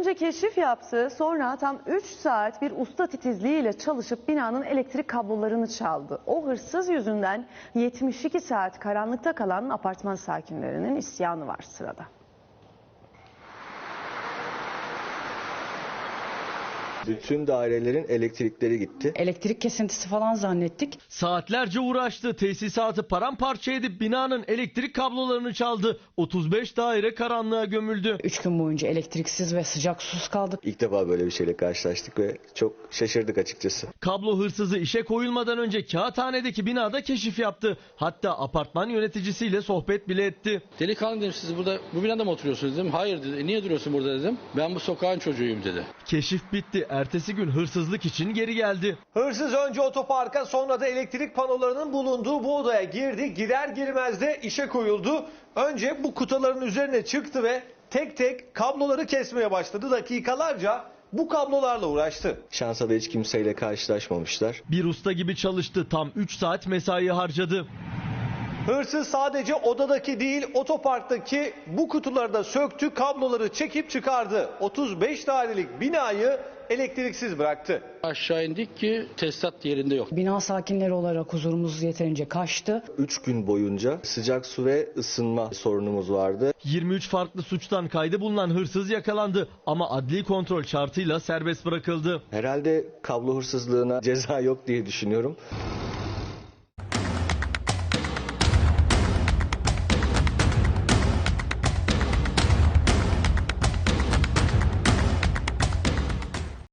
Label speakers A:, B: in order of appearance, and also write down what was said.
A: Önce keşif yaptı, sonra tam 3 saat bir usta titizliğiyle çalışıp binanın elektrik kablolarını çaldı. O hırsız yüzünden 72 saat karanlıkta kalan apartman sakinlerinin isyanı var sırada.
B: Bütün dairelerin elektrikleri gitti.
C: Elektrik kesintisi falan zannettik.
D: Saatlerce uğraştı. Tesisatı paramparça edip binanın elektrik kablolarını çaldı. 35 daire karanlığa gömüldü.
C: 3 gün boyunca elektriksiz ve sıcak susuz kaldık.
B: İlk defa böyle bir şeyle karşılaştık ve çok şaşırdık açıkçası.
D: Kablo hırsızı işe koyulmadan önce Kağıthane'deki binada keşif yaptı. Hatta apartman yöneticisiyle sohbet bile etti.
E: Delikanlı dedim, siz burada bu binada mı oturuyorsunuz dedim. Hayır dedi. Niye duruyorsun burada dedim. Ben bu sokağın çocuğuyum dedi.
D: Keşif bitti. Ertesi gün hırsızlık için geri geldi.
F: Hırsız önce otoparka, sonra da elektrik panolarının bulunduğu bu odaya girdi. Girer girmez de işe koyuldu. Önce bu kutuların üzerine çıktı ve tek tek kabloları kesmeye başladı. Dakikalarca bu kablolarla uğraştı.
B: Şansa da hiç kimseyle karşılaşmamışlar.
D: Bir usta gibi çalıştı. Tam 3 saat mesai harcadı.
F: Hırsız sadece odadaki değil, otoparktaki bu kutuları da söktü, kabloları çekip çıkardı. 35 dairelik binayı elektriksiz bıraktı.
E: Aşağı indik ki tesisat yerinde yok.
C: Bina sakinleri olarak huzurumuz yeterince kaçtı.
B: 3 gün boyunca sıcak su ve ısınma sorunumuz vardı.
D: 23 farklı suçtan kaydı bulunan hırsız yakalandı ama adli kontrol şartıyla serbest bırakıldı.
B: Herhalde kablo hırsızlığına ceza yok diye düşünüyorum.